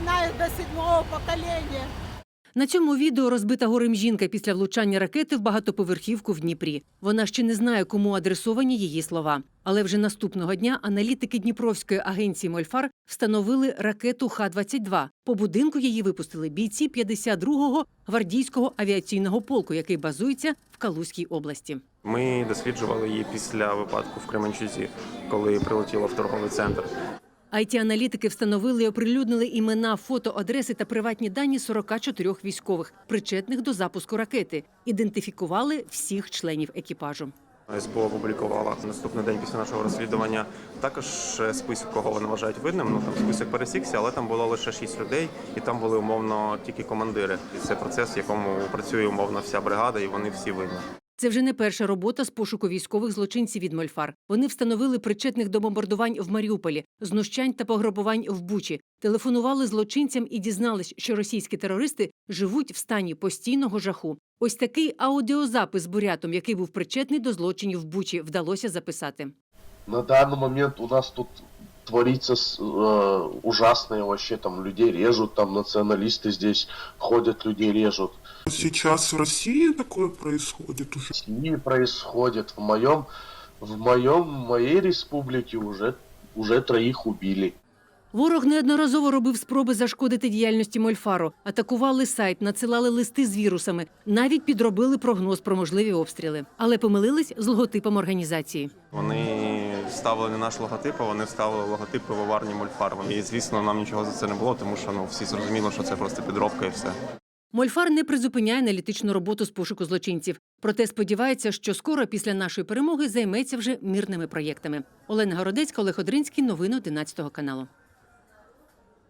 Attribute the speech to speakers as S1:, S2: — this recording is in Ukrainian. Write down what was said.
S1: знают до 7-го поколения.
S2: На цьому відео розбита горем жінка після влучання ракети в багатоповерхівку в Дніпрі. Вона ще не знає, кому адресовані її слова. Але вже наступного дня аналітики Дніпровської агенції «Мольфар» встановили ракету Х-22. По будинку її випустили бійці 52-го гвардійського авіаційного полку, який базується в Калузькій області.
S3: Ми досліджували її після випадку в Кременчузі, коли прилетіло в торговий центр.
S2: IT-аналітики встановили і оприлюднили імена, фото, адреси та приватні дані 44 військових, причетних до запуску ракети. Ідентифікували всіх членів екіпажу.
S3: СБУ опублікувала наступний день після нашого розслідування також список, кого вони вважають винним. Там список пересікся, але там було лише 6 людей, і там були умовно тільки командири. І це процес, в якому працює умовно вся бригада, і вони всі винні.
S2: Це вже не перша робота з пошуку військових злочинців від «Мольфар». Вони встановили причетних до бомбардувань в Маріуполі, знущань та пограбувань в Бучі. Телефонували злочинцям і дізнались, що російські терористи живуть в стані постійного жаху. Ось такий аудіозапис з бурятом, який був причетний до злочинів в Бучі, вдалося записати.
S4: На данный момент у нас тут творится ужасное вообще, там людей режут, там националисты здесь ходят, людей режут.
S5: Сейчас в России такое происходит уже?
S4: В России происходит, в моей республике уже 3 убили.
S2: Ворог неодноразово робив спроби зашкодити діяльності «Мольфару». Атакували сайт, надсилали листи з вірусами, навіть підробили прогноз про можливі обстріли. Але помилились з логотипом організації.
S3: Вони ставили не наш логотип, а вони ставили логотип пивоварні «Мольфар». І, звісно, нам нічого за це не було, тому що всі зрозуміло, що це просто підробка і все.
S2: «Мольфар» не призупиняє аналітичну роботу з пошуку злочинців. Проте сподівається, що скоро після нашої перемоги займеться вже мирними проєктами. Олена Городецька, Олег Одринський. Новини 11 каналу.